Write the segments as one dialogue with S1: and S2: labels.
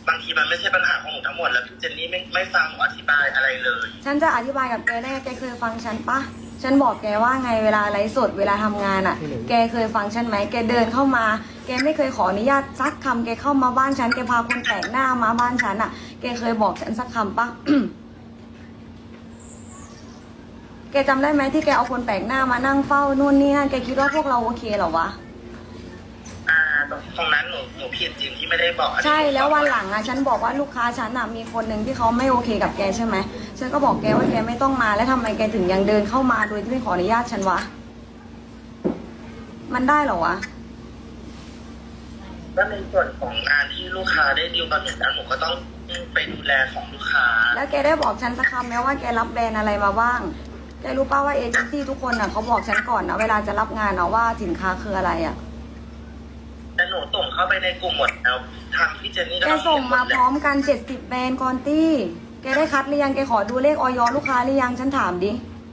S1: บางทีมันไม่ใช่ปัญหาของหนูทั้งหมดแล้วพี่เจนนี่ไม่ฟังหนูอธิบายอะไรเลย
S2: ฉันจะอธิบายกับแกได้แกเคยฟังฉันปะฉันบอกแกว่าไงเวลาไลฟ์สดเวลาทำงานอ่ะ แกเคยฟังฉันไหมแกเดินเข้ามา แกไม่เคยขออนุญาตสักคำแกเข้ามาบ้านฉันแกพาคนแปลกหน้ามาบ้านฉันอ่ะ แกเคยบอกฉันสักคำปะ แกจำได้ไหมที่แกเอาคนแปลกหน้ามานั่งเฝ้านู่นนี่นั่นแกคิดว่าพวกเราโอเคเหรอวะ
S1: ตรงนั้นหนูผิดจริงที่ไม่ได้บอก
S2: ใช่แล้ววันหลังอ่ะฉันบอกว่าลูกค้าฉันอ่ะมีคนหนึ่งที่เขาไม่โอเคกับแกใช่ไหมฉันก็บอกแกว่าแกไม่ต้องมาแล้วทำไมแกถึงยังเดินเข้ามาโดยที่ไม่ขออนุญาตฉันวะมันได้เหรอวะ
S1: ก็ในส่วนของงานที่ลูกค้าได้ดีลกับหนูแล้วหนูก็ต้องไปดูแลของลูกค้า
S2: แล้วแกได้บอกฉันสักคำไหมว่าแกรับแบรนด์อะไรมาบ้างแกรู้ป่าว่าเอเจนซี่ทุกคนอ่ะเขาบอกฉันก่อนนะเวลาจะรับงานนะว่าสินค้าคืออะไรอ่ะ
S1: แต่หนูส่งเข้าไปในกลุ่มหมดแล้วทางพี่เจนนี่ก็
S2: แกส่งมาพร้อมกัน70แบรนด์กอนตี้แกได้คัดหรือยังแกขอดูเลขออยลูกค้าหรือยังฉันถามดิ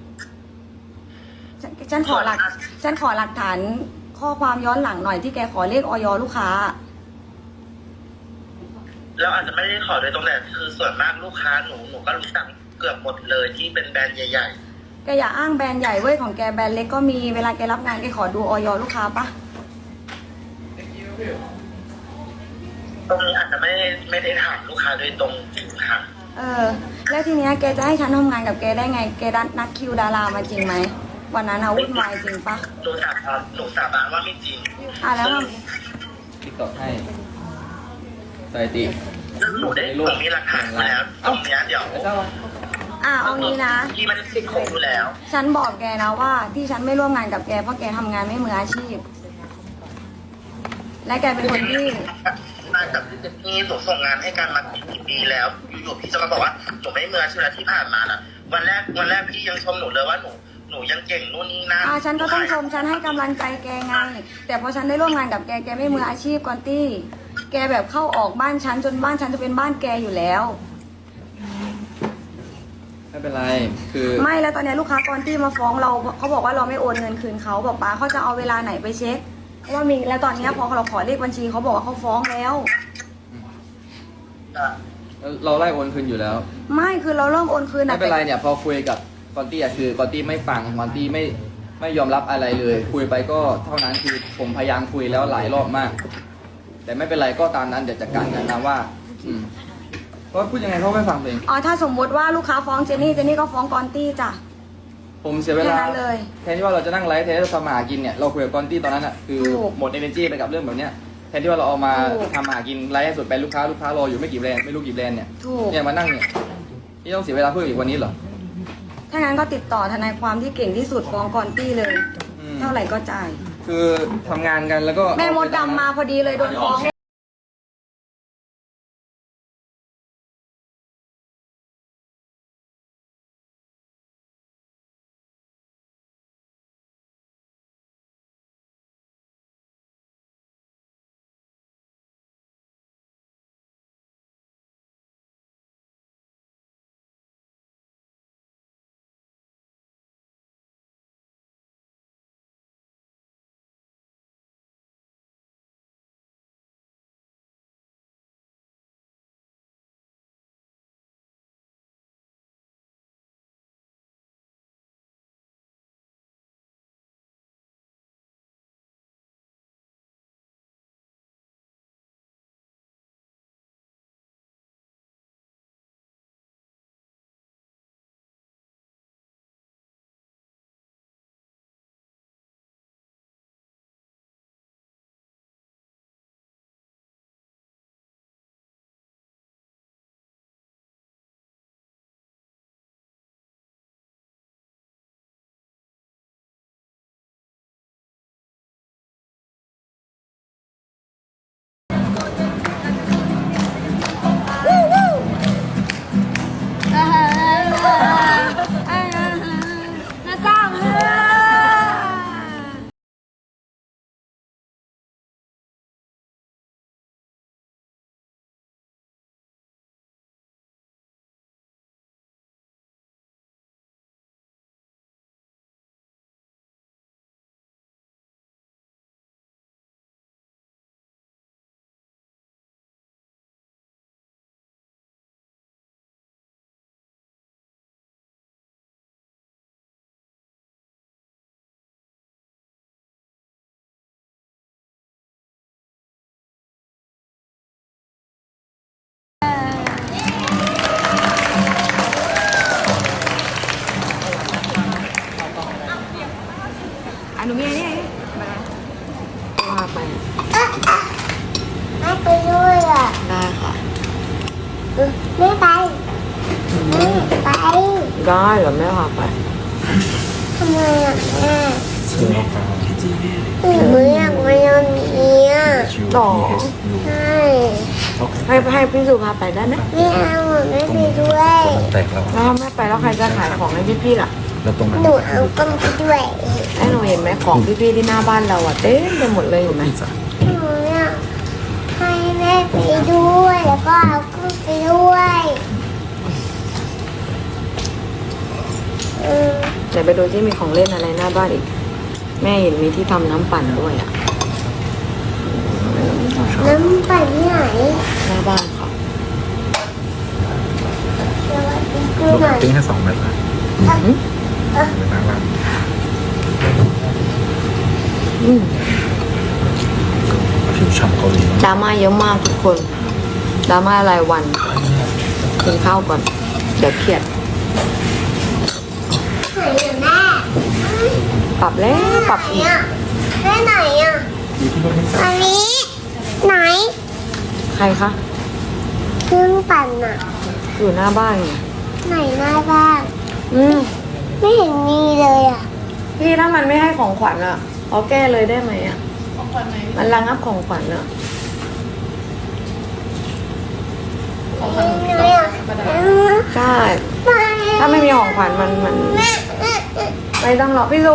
S2: ฉันขอหลักฐานข้อความย้อนหลังหน่อยที่แกขอเลขออยลูกค้า
S1: เราอาจจะไม่ได้ขอโดยตรงแต่คือส่วนมากลูกค้าหนูก็รู้จักเกือบหมดเลยที่เป็นแบรนด์ใหญ่
S2: แกอย่าอ้างแบรนด์ใหญ่เว้ยของแกแบรนด์เล็กก็มีเวลาแกรับงานแกขอดูออยลูกค้าปะ
S1: ๆตรงนี้อาจจะไม่ได้ถามลูกค้าโดยตรงค่ะ
S2: แล้วทีเนี้ยแกจะให้ฉันทำงานกับแกได้ไงแกนัดคิวดารามาจริงไหมวันนั้นเอาวุ่นวายจริงปะ
S1: หนูสาบานว่าไม่จริง
S2: แล้ว
S3: ติ๊กต็อกให้ใส่ติ
S1: ซึ่งหนูมีหลักฐานมาแล้วตรงเนี้ยเดี๋ยว
S2: เอางี้นะ
S1: ที่มันติดคุกอยู่แล้ว
S2: ฉันบอกแกนะว่าที่ฉันไม่ร่วมงานกับแกเพราะแกทำงานไม่มืออาชีพและแกเป็นคนที่
S1: มากับพี่เจนนี่หนูส่งงานให้กันมากี่ปีแล้วอยู่ๆพี่จะมาบอกว่าหนูไม่มืออาชีพที่ผ่านมาน่ะวันแรกพี่ยังชมหนูเลยว่าหนูยังเก่งนู่นนี่นั่น
S2: ฉันก็ต้องชมฉันให้กำลังใจแกไงแต่พอฉันได้ร่วมงานกับแกแกไม่มืออาชีพก่อนตี้แกแบบเข้าออกบ้านฉันจนบ้านฉันจะเป็นบ้านแกอยู่แล้ว
S3: ไม่เป็นไรคือ
S2: ไม่แล้วตอนนี้ลูกค้ากอนตี้มาฟ้องเราเขาบอกว่าเราไม่โอนเงินคืนเขาบอกป้าเขาจะเอาเวลาไหนไปเช็คว่ามีแล้วตอนนี้พอเราขอเลขบัญชีเขาบอกว่าเขาฟ้องแล้ว
S3: เราไล่โอนคืนอยู่แล้ว
S2: ไม่คือเราเริ่มโอนคืน
S3: ไม่เป็นไรเนี่ยพอคุยกับกอนตี้คือกอนตี้ไม่ฟังกอนตี้ไม่ยอมรับอะไรเลยคุยไปก็เท่านั้นคือผมพยายามคุยแล้วหลายรอบมาก แต่ไม่เป็นไรก็ตามนั้นเดี๋ยวจัดการกันนะว่าเพราะพูดยังไงเขาไม่ฟังเอง
S2: ถ้าสมมติว่าลูกค้าฟ้องเจนนี่ก็ฟ้องกอนตี้จ้ะ
S3: ผมเสียเวลาแทนที่ว่าเราจะนั่งไลฟ์แทนที่เราทำมาหากินเนี่ยเราคุยกับกอนตี้ตอนนั้นอ่ะคือหมด energy ไปกับเรื่องแบบเนี้ยแทนที่ว่าเราเอามาทำหากินไลฟ์ให้สุดไปลูกค้ารออยู่ไม่กี่แบรนด์ไม่รู้กี่แบรนด์เนี่ยมานั่งเนี่ยนี่ต้องเสียเวลาเพื่ออีกวันนี้เหรอ
S2: ถ้างั้นก็ติดต่อทนายความที่เก่งที่สุดฟ้องกอนตี้เลยเท่าไหร่ก็จ่าย
S3: คือทำงานกันแล้วก็
S2: แม่มดดำมาพอดีเลยโดนฟ้อง
S4: ไม่ไปไม่ไป
S2: ได้เหรอแม่พาไป
S4: ทำไมอ่ะแม่
S5: เชื่อเราครับ
S4: หนูอยากมาโรงเรียน
S2: ต่อ
S4: ใช่
S2: ให้พี่สุพาไปได้ไหม
S4: ไม่เอาไม่ไปด้วย
S5: แตกแล้ว
S2: แล้วถ้าแม่ไปแล้วใครจะขายของให้พี่ๆล่ะ
S5: แล้วตรงนั้น
S4: หนูเอากล้องไปด้วย
S2: ไอ้หนูเห็นไหมของพี่ๆที่หน้าบ้านเราอะเต็มไปหมดเลยเห็นไหม
S4: หนูอยากให้แม่ไปด้วยแล้วก็เอากล้องไปด้วยอืม
S2: เดี๋ยวไปดูที่มีของเล่นอะไรหน้าบ้านอีก แม่เห็นมีที่ทำน้ำปั่นด้วยอะ
S4: น้ำปั่นที่ไหน
S2: หน้าบ้านค่ะ
S4: สวัสดีคุ
S5: ลู
S4: ณ
S5: ก
S4: หน่อย
S5: ติ้งให้2 เม็ดนะ
S2: อืม
S5: เป็นน่ารัก
S2: อืม
S5: ผิวฉ่ำเกาหลี
S2: ดราม่าเยอะมากทุกคนดราม่ารายวันกินข้าวก่อน เดี๋ยวเครียด
S4: ไหนอ่ะแม่
S2: ปรับแล้วปรับ
S4: ไหน
S2: อีก
S4: อ่ะแม่ไหนอ่ะอันนี้ไหน
S2: ใครคะ
S4: เครื่องปั่นอ่ะ
S2: อยู่หน้าบ้านไง
S4: ไหนหน้าบ้าน
S2: อืม
S4: ไม่เห็นมีเลยอ่ะ
S2: พี่ถ้ามันไม่ให้ของขวัญอะเอาแก้เลยได้ไหมอะของขวัญไหนมันระงับของขวัญอะ
S4: ไหนอ่ะ
S2: ใช่
S4: ไป
S2: ถ้าไม่มีของขวัญมันไม่ต้องหรอกพี่ซู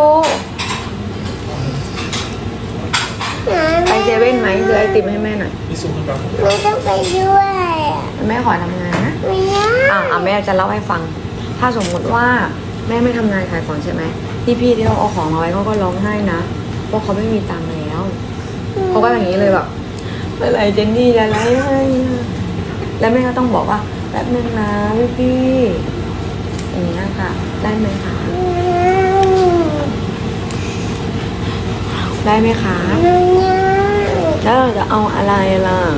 S2: ไปเซเว่นไหมซื้อไอติมให้แม่หน่อย
S4: ไม่ต้องไปด้วยอ่ะ
S2: แม่ขอทำงานนะ
S4: ไม่ได้
S2: แม่จะเล่าให้ฟัง ถ้าสมมติว่าแม่ไม่ทำงานขายของใช่ไหมพี่ที่เขาเอาของมาไว้เขาก็ร้องไห้นะเพราะเขาไม่มีตังค์แล้วเขาก็อย่างนี้เลยแบบเมื่อไหร่เจนนี่จะไล่ให้อะแล้วแม่ก็ต้องบอกว่าแป๊บนึงนะพี่อย่างนี้ยค่ะ ได้ไหมคะได้ไหมคะ
S4: ไม่ได้
S2: แล้วเราจะเอาอะไรล่ะ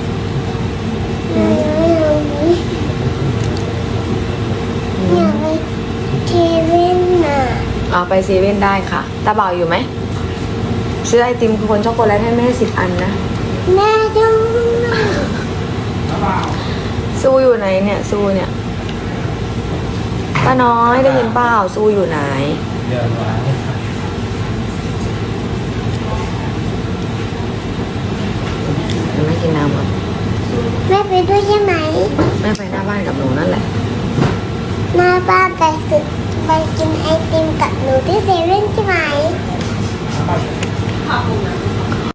S4: อยากไปเทเว่นน่ะ
S2: เอาไปเซเว่นได้ค่ะตาเบาอยู่ไหมซื้อไอติมโคนช็อกโกแลตให้แม่10 อันนะ
S4: แม่ต้อง
S2: ซูอยู่ไหนเนี่ยซูเนี่ยป้าน้อยได้ยินเปล่าซูอยู่ไหนเดี๋ยวแม่กินน้ำก่อน
S4: แม่ไปด้วยใช่ไหม
S2: แม่ไปหน้าบ้านกับหนูนั่นแหละ
S4: หน้าบ้านไปสึกไปกินไอติมกับหนูที่เซเว่นใช่ไหม